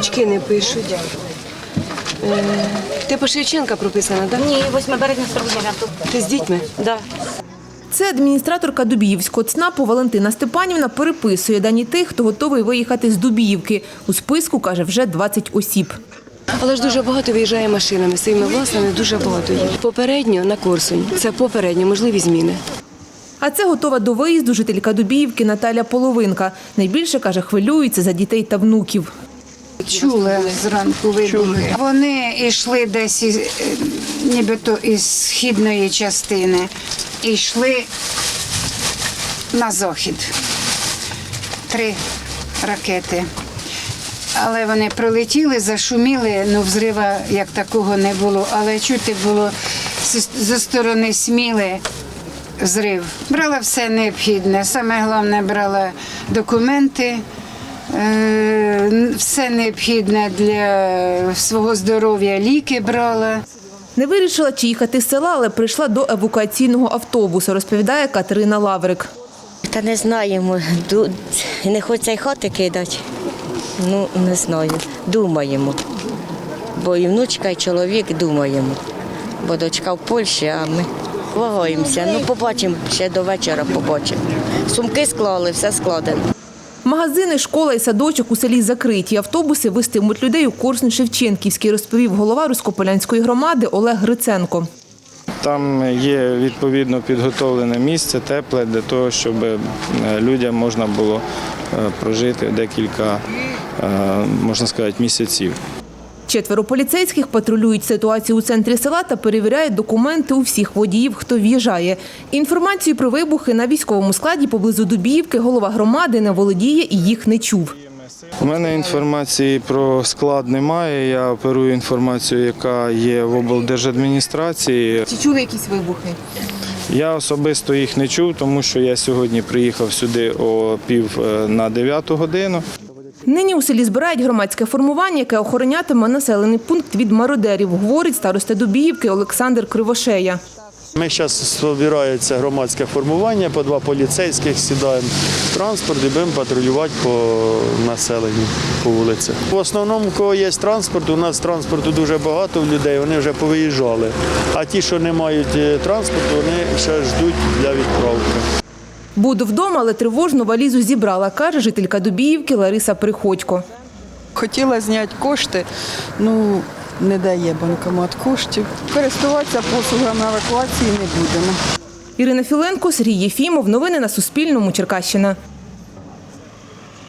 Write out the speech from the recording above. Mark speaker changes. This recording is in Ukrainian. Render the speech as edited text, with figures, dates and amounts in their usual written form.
Speaker 1: Дочки не пишуть. Ти по Шевченка прописана, так?
Speaker 2: Ні, 8 березня 49-го.
Speaker 1: Ти з дітьми?
Speaker 2: Да.
Speaker 3: Це адміністраторка Дубіївського ЦНАПу Валентина Степанівна переписує дані тих, хто готовий виїхати з Дубіївки. У списку, каже, вже 20 осіб.
Speaker 1: Але ж дуже багато виїжджає машинами, своїми власними, дуже багато їх. Попередньо на Корсунь. Це попередньо, можливі зміни.
Speaker 3: А це готова до виїзду жителька Дубіївки Наталя Половинка. Найбільше, каже, хвилюється за дітей та внуків.
Speaker 4: Чули зранку вибухи. Вони йшли десь нібито із східної частини і йшли на захід. 3 ракети. Але вони прилетіли, зашуміли, взрива як такого не було. Але чути було зі сторони Сміли взрив. Брала все необхідне. Саме головне, брала документи, все необхідне для свого здоров'я, ліки брала.
Speaker 3: Не вирішила, чи їхати з села, але прийшла до евакуаційного автобусу, розповідає Катерина Лаврик.
Speaker 5: Та не знаємо, не хочеться й хати кидати. Не знаю, думаємо. Бо і внучка, і чоловік думаємо. Бо дочка в Польщі, а ми вагаємося. Побачимо, ще до вечора побачимо. Сумки склали, все складено.
Speaker 3: Магазини, школа і садочок у селі закриті. Автобуси вестимуть людей у Корсунь-Шевченківський, розповів голова Руськополянської громади Олег Гриценко.
Speaker 6: Там є відповідно підготовлене місце, тепле, для того, щоб людям можна було прожити декілька, можна сказати, місяців.
Speaker 3: 4 поліцейських патрулюють ситуацію у центрі села та перевіряють документи у всіх водіїв, хто в'їжджає. Інформацію про вибухи на військовому складі поблизу Дубіївки голова громади не володіє і їх не чув.
Speaker 6: У мене інформації про склад немає, я оперую інформацію, яка є в облдержадміністрації.
Speaker 3: Чи чули якісь вибухи?
Speaker 6: Я особисто їх не чув, тому що я сьогодні приїхав сюди о 8:45 годину.
Speaker 3: Нині у селі збирають громадське формування, яке охоронятиме населений пункт від мародерів, говорить староста Дубіївки Олександр Кривошея.
Speaker 7: Ми зараз збирається громадське формування, по 2 поліцейських, сідаємо в транспорт і будемо патрулювати по населенню, по вулицях. В основному, у кого є транспорт, у нас транспорту дуже багато в людей, вони вже повиїжджали. А ті, що не мають транспорту, вони ще ждуть для відправки.
Speaker 3: Буду вдома, але тривожну валізу зібрала, каже жителька Дубіївки Лариса Приходько.
Speaker 8: Хотіла зняти кошти, не дає банкомат коштів. Користуватися послугами евакуації не будемо.
Speaker 3: Ірина Філенко, Сергій Єфімов. Новини на Суспільному. Черкащина.